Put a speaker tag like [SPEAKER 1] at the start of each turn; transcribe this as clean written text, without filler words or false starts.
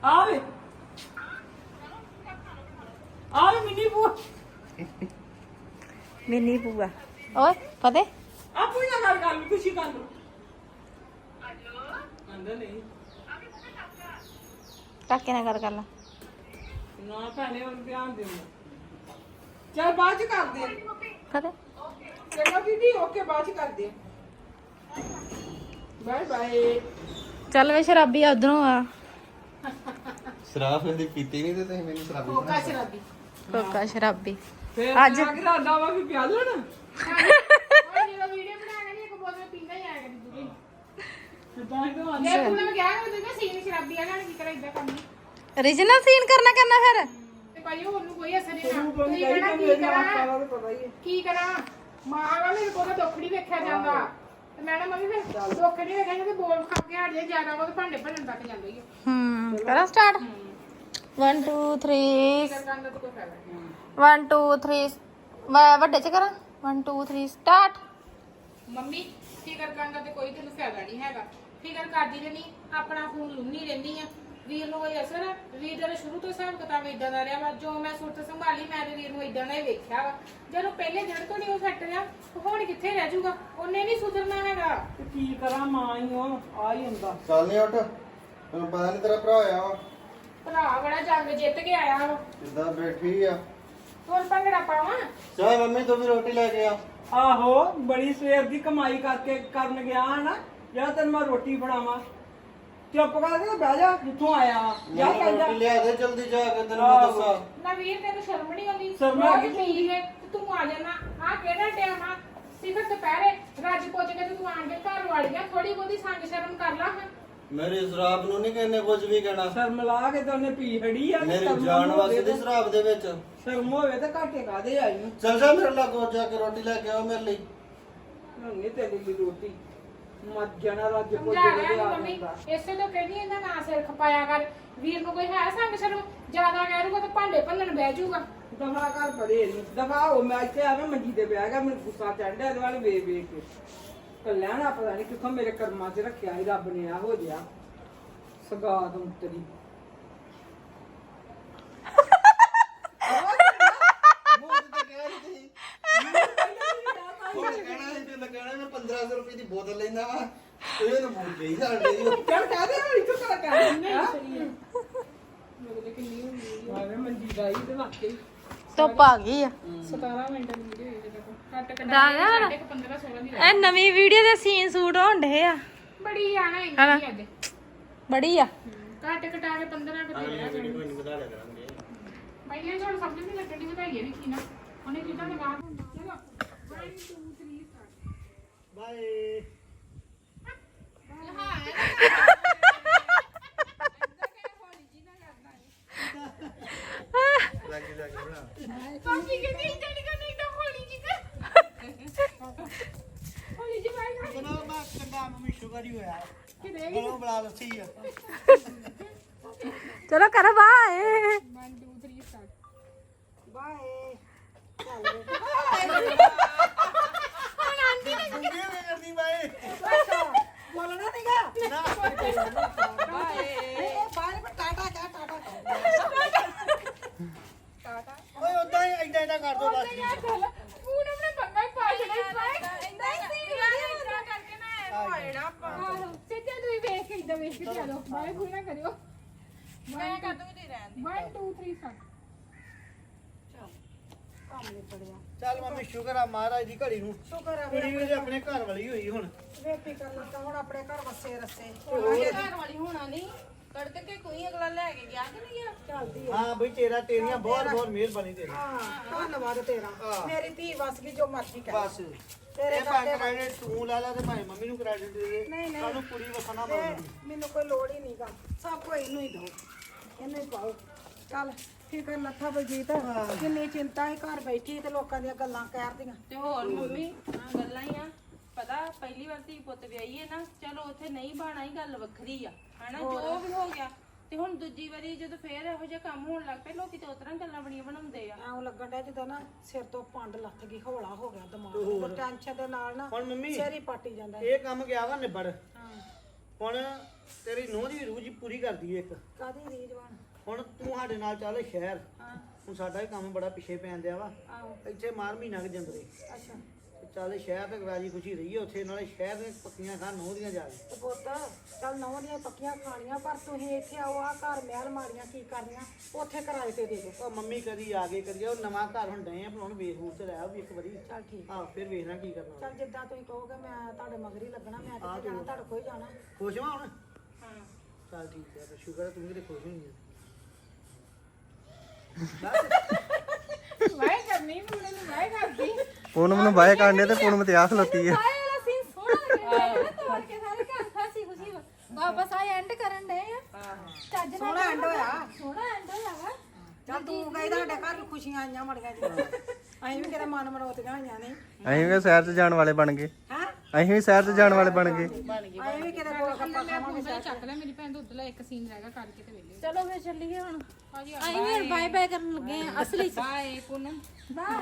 [SPEAKER 1] ਆਵੇ ਆਵੇ ਮਿੰਨੀ ਬੂਆ
[SPEAKER 2] ਮਿੰਨੀ ਬੂਆ ਓਏ ਫਤਿਹ
[SPEAKER 1] ਆਪੂ ਨਾ ਗੱਲ ਕਰ ਲਈ ਖੁਸ਼ੀ ਕਰ ਲੋ ਅੰਦਰ ਨਹੀਂ
[SPEAKER 2] ਕਾਕੇ ਨਾਲ ਗੱਲ ਕਰ ਲਾ
[SPEAKER 1] ਨਾ ਭੈਣੇ ਹੁਣ ਧਿਆਨ ਦੇ ਚੱਲ ਬਾਅਦ ਚ ਕਰਦੇ
[SPEAKER 2] ਫਤਿਹ
[SPEAKER 1] ਚੰਗਾ ਦੀਦੀ ਓਕੇ ਬਾਅਦ ਚ ਕਰਦੇ ਬਾਏ ਬਾਏ
[SPEAKER 2] ਚੱਲ ਵੇ ਸ਼ਰਾਬੀ ਉਧਰੋਂ ਆ
[SPEAKER 3] ਸ਼ਰਾਬ ਕਦੀ ਪੀਤੀ ਨਹੀਂ ਤੇ ਤੁਸੀਂ ਮੈਨੂੰ ਸ਼ਰਾਬੀ
[SPEAKER 1] ਕੋਕਾ ਸ਼ਰਾਬੀ
[SPEAKER 2] ਕੋਕਾ ਸ਼ਰਾਬੀ
[SPEAKER 1] ਫਿਰ ਅੱਜ ਇਰਾਦਾ ਵਾ ਵੀ ਪਿਆ ਲੈਣਾ
[SPEAKER 4] ਉਹ ਜਿਹੜਾ ਵੀਡੀਓ ਬਣਾਣਾ ਨਹੀਂ ਇੱਕ ਬੋਤਲ ਪੀਂਦਾ ਹੀ ਆਇਆ ਕਰੀ ਦੂਜੀ
[SPEAKER 1] ਤਾਂ ਹੀ ਤਾਂ
[SPEAKER 4] ਜੇ ਤੂੰ ਮੈਂ ਕਿਹਾ ਕਿ ਤੂੰ ਸੀਨ ਸ਼ਰਾਬੀ ਆ ਨਾ ਕੀ ਕਰਾਂ ਇਦਾਂ ਕੰਮ
[SPEAKER 2] ਰੀਜਨਲ ਸੀਨ ਕਰਨਾ ਫਿਰ
[SPEAKER 4] ਤੇ ਭਾਈ ਉਹਨੂੰ ਕੋਈ ਅਸਰ ਨਹੀਂ ਨਾ
[SPEAKER 1] ਤੂੰ
[SPEAKER 4] ਤੁਸੀਂ
[SPEAKER 1] ਕਹੀ
[SPEAKER 4] ਕਹਿਣਾ
[SPEAKER 1] ਕਿ
[SPEAKER 4] ਕੀ
[SPEAKER 1] ਮੇਰੇ
[SPEAKER 4] ਕਰਾਂ
[SPEAKER 1] ਸਾਰਾ ਤਾਂ ਪਤਾ ਹੀ ਹੈ
[SPEAKER 4] ਕੀ ਕਰਾਂ ਮਾਂ ਵਾਲਾ ਮੇਰੇ ਕੋਲ ਦੁੱਖੜੀ ਵੇਖਿਆ ਜਾਂਦਾ ਤੇ ਮੈਡਮ ਮੰਮੀ ਫਿਰ ਦੁੱਖੜੀ ਵੇਖਿਆ ਜਾਂਦੇ ਬੋਲ ਖਾ ਕੇ ਹਟ ਜਾਏ ਜ਼ਿਆਦਾ ਉਹ ਭਾਂਡੇ ਭੰਨਣ ਤੱਕ ਜਾਂਦਾ ਹੀ
[SPEAKER 2] ਕਰਾਂ ਸਟਾਰਟ 1 2 3
[SPEAKER 4] ਕਰਨ ਦਾ ਤਾਂ ਕੋਈ ਫਾਇਦਾ ਨਹੀਂ
[SPEAKER 2] 1 2 3 ਵੱਡੇ ਚ ਕਰਾਂ 1 2 3 ਸਟਾਰਟ
[SPEAKER 4] ਮੰਮੀ ਫਿਕਰ ਕਰਨ ਦਾ ਤੇ ਕੋਈ ਤੈਨੂੰ ਫਾਇਦਾ ਨਹੀਂ ਹੈਗਾ ਫਿਕਰ ਕਰਦੀ ਰਹਿਣੀ ਆਪਣਾ ਫੋਨ ਲੁੰਨੀ ਰਹਿੰਦੀ ਆ ਵੀਰ ਨੂੰ ਕੋਈ ਅਸਰ ਆ? ਵੀਰ ਦਾ ਸ਼ੁਰੂ ਤੋਂ ਹਿਸਾਬ ਕਿਤਾਬ ਇਦਾਂ ਦਾ ਰਿਹਾ ਵਾ ਜੋ ਮੈਂ ਸੁਰਤ ਸੰਭਾਲੀ ਮੈਂ ਤੇ ਵੀਰ ਨੂੰ ਇਦਾਂ ਦਾ ਹੀ ਵੇਖਿਆ ਵਾ ਜਦੋਂ ਪਹਿਲੇ ਦਿਨ ਤੋਂ ਨਹੀਂ ਉਹ ਸੈੱਟ ਰਿਹਾ ਹੁਣ ਕਿੱਥੇ ਰਹਿ ਜਾਊਗਾ ਉਹਨੇ ਨਹੀਂ ਸੁਧਰਨਾ ਹੈਗਾ
[SPEAKER 1] ਤੇ ਕੀ ਕਰਾਂ ਮਾਂ ਹੀ ਹੋ ਆ ਹੀ ਹੁੰਦਾ
[SPEAKER 3] ਚੱਲ ਨਹੀਂ ਉੱਠ ਤੈਨੂੰ ਪਤਾ ਨਹੀਂ ਤੇਰਾ ਭਰਾ ਆਇਆ ਵਾ
[SPEAKER 4] ਭਰਾ ਬੜਾ ਜੰਗ ਜਿੱਤ ਕੇ ਆਇਆ ਵਾ
[SPEAKER 3] ਕਿੱਦਾਂ ਬੈਠੀ ਆ
[SPEAKER 4] ਹੁਣ ਭੰਗੜਾ ਪਾਵਾਂ
[SPEAKER 3] ਚਾਹ ਮੰਮੀ ਤੂੰ ਵੀ ਰੋਟੀ ਲੈ ਕੇ ਆ
[SPEAKER 1] ਆਹੋ ਬੜੀ ਸਵੇਰ ਦੀ ਕਮਾਈ ਕਰਕੇ ਕਰਨ ਗਿਆ ਨਾ ਜਾਂ ਤੈਨੂੰ ਮੈਂ ਰੋਟੀ ਬਣਾਵਾਂ ਚੁੱਪ ਕਰਕੇ ਬਹਿ ਜਾ ਜਿੱਥੋਂ ਆਇਆ ਜਾ
[SPEAKER 3] ਮੈਨੂੰ
[SPEAKER 1] ਕਰ ਜਾ
[SPEAKER 3] ਰੋਟੀ ਲਿਆ ਦੇ ਜਲਦੀ ਜਾ ਕੇ ਤੈਨੂੰ ਮੈਂ ਦੱਸਾਂ
[SPEAKER 4] ਨਾ ਵੀਰ ਤੈਨੂੰ ਸ਼ਰਮ ਨਹੀਂ ਆਉਂਦੀ
[SPEAKER 1] ਸ਼ਰਮ
[SPEAKER 4] ਰੋਜ਼
[SPEAKER 1] ਆਉਂਦੀ।
[SPEAKER 4] ਪੀ ਲੈ ਤੇ ਤੂੰ ਆ ਜਾਣਾ ਆ ਕਿਹੜਾ ਟਾਈਮ ਆ ਸਿਖਰ ਦੁਪਹਿਰੇ ਰੱਜ ਪੁੱਜ ਕੇ ਤੇ ਤੂੰ ਆਣ ਕੇ ਘਰ ਵਾੜ ਗਿਆ ਥੋੜੀ ਬਹੁਤੀ ਸੰਗ ਸ਼ਰਮ ਕਰ ਲਾ ਹਾਂ
[SPEAKER 3] ਮੇਰੀ ਸ਼ਰਾਬ ਨੂੰ ਨਹੀਂ ਕਹਿੰਨੇ ਕੁਝ ਵੀ ਕਹਿਣਾ
[SPEAKER 1] ਸ਼ਰਮ ਲਾ ਕੇ ਤਾਂ ਉਹਨੇ ਪੀ ਖੜੀ ਆ ਤੇ
[SPEAKER 3] ਮੇਰੀ
[SPEAKER 1] ਸ਼ਰਮ
[SPEAKER 3] ਜਾਨ
[SPEAKER 1] ਹੋਵੇ
[SPEAKER 3] ਵਾਸਤੇ
[SPEAKER 1] ਤੇ-
[SPEAKER 3] ਦੀ ਸ਼ਰਾਬ ਦੇ ਵਿੱਚ
[SPEAKER 1] ਸ਼ਰਮ ਹੋਵੇ ਤਾਂ ਘਾਟੇ ਕਾਦੇ ਆਈ ਨੂੰ
[SPEAKER 3] ਚੱਲ ਜਾ ਮੇਰੇ ਲਾਗੋ ਜਾ ਕੇ ਰੋਟੀ ਲੈ ਕੇ ਆਓ ਮੇਰੇ ਲਈ
[SPEAKER 1] ਨਹੀਂ ਤੇਰੀ ਲਈ ਰੋਟੀ ਮਰ ਜਾਣਾ ਰੱਜ ਪੁੱਜ
[SPEAKER 4] ਸਮਝਾ
[SPEAKER 1] ਕੇ
[SPEAKER 4] ਰਿਹਾ
[SPEAKER 1] ਆ
[SPEAKER 4] ਮੰਮੀ
[SPEAKER 1] ਜਾਂਦਾ
[SPEAKER 4] ਇਸੇ ਤੋਂ ਕਹਿੰਦੀ ਇਹਦਾ ਨਾਂ ਸਿਰ ਖਪਾਇਆ ਕਰ ਵੀਰ ਨੂੰ ਕੋਈ ਹੈ ਸੰਗ ਸ਼ਰਮ ਜ਼ਿਆਦਾ ਕਹਿ ਰੂਗਾ ਤਾਂ ਭਾਂਡੇ ਭੰਨਣ ਬਹਿ ਜਾਊਗਾ
[SPEAKER 1] ਦਫਾ ਕਰ ਪਰੇ ਨਹੀਂ ਦਫਾ ਹੋ ਮੈਂ ਇੱਥੇ ਆਵੇਂ ਮੰਜੀ ਤੇ ਬਹਿ ਗਿਆ ਮੈਨੂੰ ਗੁੱਸਾ ਚੜ੍ਹਦਾ ਇਹਦੇ ਵੱਲ ਵੇਖ ਵੇਖ ਕੇ ਕੱਲਿਆਣਾ ਪਤਾ ਨਹੀਂ ਕਿੱਥੋਂ ਮੇਰੇ ਕਰਮਾਂ 'ਚ ਰੱਖਿਆ ਸੀ ਰੱਬ ਨੇ ਆ ਹੋ ਜਿਆ ਸਗਾਤ ਉਤਰੀ
[SPEAKER 3] ਮੈਂ 1500 ਰੁਪਏ ਦੀ ਬੋਤਲ ਲੈਂਦਾ ਵਾ ਇਹ ਤਾਂ ਮੂੰਹ ਗਈ ਸਾਡੇ ਦੀ
[SPEAKER 1] ਚੱਲ ਕਹਿ ਦੇ ਹੁਣ ਇੱਥੋਂ ਕਰ ਕਹਿ
[SPEAKER 4] ਨਹੀਂ
[SPEAKER 1] ਦੇ
[SPEAKER 4] ਸਹੀ ਹੈ ਮੇਰੇ ਕਿੰਨੀ ਹੁੰਦੀ
[SPEAKER 1] ਆਵੇਂ ਮੰਜੀ ਦਾ ਹੀ ਤੇ ਵਾਕਈ
[SPEAKER 2] ਧੁੱਪ ਆ ਗਈ ਆ
[SPEAKER 4] 17 ਮਿੰਟ ਦੀ ਵੀਡੀਓ ਹੋਈ ਦੇਖੋ ਕੱਟ ਕੱਟ
[SPEAKER 2] ਦਾ ਯਾਰ।
[SPEAKER 4] 15 16 ਦੀ
[SPEAKER 2] ਇਹ ਨਵੀਂ ਵੀਡੀਓ ਦੇ ਸੀਨ ਸ਼ੂਟ ਹੋਣ ਢੇ ਆ
[SPEAKER 4] ਬੜੀ ਆ ਨਾ ਇੰਨੀ ਅੱਜ
[SPEAKER 2] ਬੜੀ ਆ
[SPEAKER 4] ਕੱਟ ਕਟਾ ਕੇ 15 ਕੁ ਦੇ ਰਿਹਾ
[SPEAKER 3] ਕੋਈ ਨਹੀਂ ਵਧਾ ਲਿਆ ਕਰਾਂਗੇ
[SPEAKER 4] ਪਹਿਲੇ ਤੁਹਾਨੂੰ ਸਮਝ ਨਹੀਂ ਲੱਗਣੀ ਵਧਾਈਏ ਵੀ ਕੀ ਨਾ ਉਹਨੇ ਕਿਦਾਂ ਲਗਾ ਚਲੋ 1 2 3 ਸਟਾਰਟ
[SPEAKER 3] ਬਾਏ ਲੱਗੀ ਬਣਾ
[SPEAKER 4] ਕਾਫੀ ਕਿਤੇ ਇੰਜਣ ਕਰਨੇ ਇੱਕਦਮ ਹੋਲੀ ਜੀ ਹੋਲੀ ਜੀ ਬਾਈ
[SPEAKER 3] ਬਣਾ ਮੈਂ ਕੰਡਾ ਮੰਮੀ ਸ਼ੂਗਰ ਹੀ ਹੋਇਆ
[SPEAKER 4] ਕਿਤੇ
[SPEAKER 3] ਬਣਾ ਬਣਾ ਲੱਸੀ ਆ
[SPEAKER 2] ਚਲੋ ਕਰ ਬਾਏ
[SPEAKER 4] 1 2 3 ਸਟਾਰਟ
[SPEAKER 1] ਬਾਏ
[SPEAKER 3] ਗੁੰਗੇ ਵੇ ਕਰਦੀ ਬਾਏ
[SPEAKER 1] ਬੋਲਣਾ ਨਹੀਂਗਾ
[SPEAKER 3] ਨਾ
[SPEAKER 1] ਬਾਏ ਬਾਏ ਪਰ ਟਾਟਾ ਕਹਿ ਟਾਟਾ
[SPEAKER 3] ਓਏ ਉਦਾਂ ਹੀ ਐਡਾ ਐਡਾ ਕਰ ਦੋ ਬਸ
[SPEAKER 4] ਫੋਨ ਆਪਣੇ ਪੰਗਾ ਹੀ ਪਾ ਛੜਾ ਇੰਦਾ ਕਰਕੇ ਨਾ ਹੋਣਾ ਆਪਾਂ ਸਿੱਧਾ ਤੁਸੀਂ ਵੇਖ ਕੇ ਇਦਾਂ ਵੇਖ ਕੇ ਚਲੋ ਬਾਏ ਫੋਨ ਨਾ ਕਰਿਓ ਮੈਂ ਕਰ ਦੂੰਗੀ ਤੇ ਰਹਿਣ 1 2 3 ਸਟਾਰਟ
[SPEAKER 3] ਚੱਲ ਮੰਮੀ ਸ਼ੁਕਰ ਆ ਮਹਾਰਾਜ ਦੀ ਘੜੀ ਨੂੰ
[SPEAKER 1] ਸ਼ੁਕਰ ਆ
[SPEAKER 3] ਕੁੜੀ ਵੀ ਆਪਣੇ ਘਰ ਵਾਲੀ ਹੋਈ ਹੁਣ
[SPEAKER 1] ਵੇਪੀ ਕਰ ਲੱਗਾ ਹੁਣ ਆਪਣੇ ਘਰ ਵਸੇ ਰਸੇ
[SPEAKER 5] ਘਰ ਵਾਲੀ ਹੋਣਾ ਨਹੀਂ ਕੱਢ ਕੇ ਕੋਈ ਅਗਲਾ ਲੈ ਕੇ ਗਿਆ ਕਿ ਨਹੀਂ ਗਿਆ
[SPEAKER 1] ਚੱਲਦੀ
[SPEAKER 3] ਹਾਂ ਬਈ ਤੇਰੀਆਂ ਬਹੁਤ ਬਹੁਤ ਮਿਹਰਬਾਨੀ ਤੇਰੀ
[SPEAKER 1] ਹਾਂ ਧੰਨਵਾਦ ਤੇਰਾ ਮੇਰੀ ਧੀ ਵਸ ਗਈ ਜੋ ਮਰਜ਼ੀ ਕਰ
[SPEAKER 3] ਬਸ
[SPEAKER 1] ਤੇਰੇ
[SPEAKER 3] ਇਹ ਭਾਵੇਂ ਕ੍ਰੈਡਿਟ ਤੂੰ ਲੈ ਲੈ ਤੇ ਭਾਵੇਂ ਮੰਮੀ ਨੂੰ ਕ੍ਰੈਡਿਟ ਦੇ ਦੇ
[SPEAKER 1] ਨਹੀਂ, ਨਹੀਂ।
[SPEAKER 3] ਸਾਨੂੰ ਕੁੜੀ ਵਸਣਾ
[SPEAKER 1] ਤੇ
[SPEAKER 3] ਮੰਗਦੀ
[SPEAKER 1] ਮੈਨੂੰ ਕੋਈ ਲੋੜ ਹੀ ਨਹੀਂਗਾ ਸਭ ਕੁਝ ਇਹਨੂੰ ਹੀ ਦੋ ਇਹਨੂੰ ਹੀ ਪਾਓ ਚੱਲ ਫਿਕਰ ਲੱਥਾ ਬਲਜੀਤ ਕਿੰਨੀ ਚਿੰਤਾ ਹੈ ਘਰ ਬੈਠੀ ਤੇ ਲੋਕਾਂ ਦੀਆਂ ਗੱਲਾਂ ਕਰਦੀਆਂ
[SPEAKER 5] ਤੇ ਹੋਰ ਮੰਮੀ ਆ ਗੱਲਾਂ ਹੀ ਆ ਪਤਾ ਪਹਿਲੀ ਵਾਰ ਧੀ ਪੁੱਤ ਵਿਆਹੀ ਹੈ ਨਾ ਚਲੋ ਉੱਥੇ ਨਹੀਂ ਬਾਣਾ ਹੀ ਗੱਲ ਵੱਖਰੀ ਆ ਹਨਾ ਜੋ ਵੀ ਹੋ ਗਿਆ ਤੇ ਹੁਣ ਦੂਜੀ ਵਾਰੀ ਜਦੋਂ ਫੇਰ ਇਹੋ ਜਿਹਾ ਕੰਮ ਹੋਣ ਲੱਗ ਪਏ ਲੋਕੀ ਤੇ ਉਤਰਾਂ ਗੱਲਾਂ ਬੜੀਆਂ ਬਣਾਉਂਦੇ ਆ
[SPEAKER 1] ਐਂ ਲੱਗਣ ਡਿਆ ਜਿੱਦਾਂ ਨਾ ਸਿਰ ਤੋਂ ਪੰਡ ਲੱਥ ਗਈ ਹੌਲਾ ਹੋ ਗਿਆ ਦਿਮਾਗ ਤੇ ਟੈਨਸ਼ਨ ਦੇ ਨਾਲ ਨਾ
[SPEAKER 3] ਹੁਣ ਮੰਮੀ
[SPEAKER 1] ਸਿਰ ਹੀ ਪਾਟੀ ਜਾਂਦਾ
[SPEAKER 3] ਇਹ ਕੰਮ ਗਿਆ ਵਾ ਨਿਬੜ ਹੁਣ ਤੇਰੀ ਨੂੰਹ ਦੀ ਰੂਹ ਜੀ ਪੂਰੀ ਕਰਦੀ ਏ ਇੱਕ
[SPEAKER 5] ਕਾਦੀ ਰੀਜਵਾਨ
[SPEAKER 3] ਹੁਣ ਤੂੰ ਸਾਡੇ ਨਾਲ ਚੱਲ ਸ਼ਹਿਰ
[SPEAKER 5] ਹਾਂ
[SPEAKER 3] ਹੁਣ ਸਾਡਾ ਵੀ ਕੰਮ ਬੜਾ ਪਿੱਛੇ ਪੈਣ ਦਿਆ ਵਾ
[SPEAKER 5] ਆਹੋ
[SPEAKER 3] ਇੱਥੇ ਮਾਰ ਮਹੀਨਾ ਕੁ ਜੰਦਰੇ
[SPEAKER 5] ਅੱਛਾ
[SPEAKER 3] ਤੇ ਚੱਲ ਸ਼ਹਿਰ ਤੱਕ ਰਾਜੀ ਖੁਸ਼ੀ ਰਹੀਏ ਉੱਥੇ ਨਾਲੇ ਸ਼ਹਿਰ ਦੇ ਪੱਕੀਆਂ ਖਾਣ ਨੂੰਹ ਦੀਆਂ ਜਾ ਕੇ
[SPEAKER 5] ਤੇ ਪੁੱਤ ਚੱਲ ਨੌਂ ਦੀਆਂ ਪੱਕੀਆਂ ਖਾਣੀਆਂ ਪਰ ਤੁਸੀਂ ਇੱਥੇ ਆਓ ਆ ਘਰ ਮਹਿਲ ਮਾਰੀਆਂ ਕੀ ਕਰਨੀਆਂ ਉੱਥੇ ਕਿਰਾਏ ਤੇ ਦੇ ਦਿਓ
[SPEAKER 3] ਉਹ ਮੰਮੀ ਕਦੀ ਆ ਗਏ ਕਦੀ ਉਹ ਨਵਾਂ ਘਰ ਹੁਣ ਡਏ ਆ ਬਣਾਉਣ ਵੇਖ ਵੂਖ ਤੇ ਲੈ ਵੀ ਇੱਕ ਵਾਰੀ
[SPEAKER 5] ਚੱਲ ਠੀਕ
[SPEAKER 3] ਆਹ ਫਿਰ ਵੇਖਣਾ ਕੀ ਕਰਨਾ
[SPEAKER 5] ਚੱਲ ਜਿੱਦਾਂ ਤੁਸੀਂ ਕਹੋਗੇ ਮੈਂ ਤੁਹਾਡੇ ਮਗਰ ਹੀ ਲੱਗਣਾ ਮੈਂ ਕਿੱਥੇ ਜਾਣਾ ਤੁਹਾਡੇ ਕੋਲ ਹੀ ਜਾਣਾ
[SPEAKER 3] ਖੁਸ਼ ਹਾਂ ਹੁਣ
[SPEAKER 5] ਹਾਂ
[SPEAKER 3] ਚੱਲ ਠੀਕ ਹੈ ਤੇ ਸ਼ੁਕਰ ਹੈ ਤੂੰ ਵੀ ਤੇ ਖੁਸ਼ ਹੋਈ ਹੈ
[SPEAKER 4] ਵਾਏ ਕਰਨੀ ਮੁੰਡੇ ਨੂੰ ਵਾਏ ਕਰਦੀ
[SPEAKER 6] ਪੂਨਮ ਨੂੰ ਬਾਏ ਕਾਂਡੇ ਤੇ ਪੂਨਮ ਤੇ ਆ ਖਲੋਤੀ ਹੈ
[SPEAKER 2] ਆਏ ਵਾਲਾ ਸੀਨ ਸੋਹਣਾ ਲੱਗਿਆ ਤੋੜ ਕੇ ਸਾਰੇ ਘਰ ਖਾਸੀ ਖੁਸ਼ੀ ਵਾਪਸ ਆਏ ਐਂਡ ਕਰਨ ਦੇ ਆ ਚੱਜ ਨਾਲ
[SPEAKER 5] ਸੋਹਣਾ ਐਂਡ ਹੋਇਆ
[SPEAKER 2] ਸੋਹਣਾ ਐਂਡ ਹੋਇਆ ਵਾ
[SPEAKER 5] ਚੱਲ ਤੂੰ ਗਈ ਤੁਹਾਡੇ ਘਰ ਨੂੰ ਖੁਸ਼ੀਆਂ ਆਈਆਂ ਮੜੀਆਂ ਜੀ ਅਸੀਂ ਵੀ ਕਿਤੇ ਮਨ ਮਨੋਤੀਆਂ ਹੋਈਆਂ ਨੇ
[SPEAKER 6] ਅਸੀਂ ਵੀ ਸ਼ਹਿਰ 'ਚ ਜਾਣ ਵਾਲੇ ਬਣ ਗਏ
[SPEAKER 5] ਹਾਂ
[SPEAKER 6] ਅਸੀਂ ਵੀ ਸ਼ਹਿਰ 'ਚ ਜਾਣ ਵਾਲੇ ਬਣ ਗਏ
[SPEAKER 5] ਅਸੀਂ ਵੀ ਕਿਤੇ ਕੋਲ ਕੱਪਾ ਖਾਵਾਂਗੇ
[SPEAKER 4] ਮੈਂ ਚੱਕ ਲੈ ਮੇਰੀ ਭੈਣ ਦਾ ਉਧਰਲਾ ਇੱਕ ਸੀਨ ਰਹਿ ਗਿਆ ਕਰਕੇ ਤੇ ਵੇਲੇ
[SPEAKER 2] ਚਲੋ ਫਿਰ ਚੱਲੀਏ ਹੁਣ
[SPEAKER 4] ਹਾਂਜੀ
[SPEAKER 2] ਆਈ ਵੀ ਬਾਏ ਬਾਏ ਕਰਨ ਲੱਗੇ ਆ ਅਸਲੀ ਚ
[SPEAKER 4] ਬਾਏ ਪੂਨਮ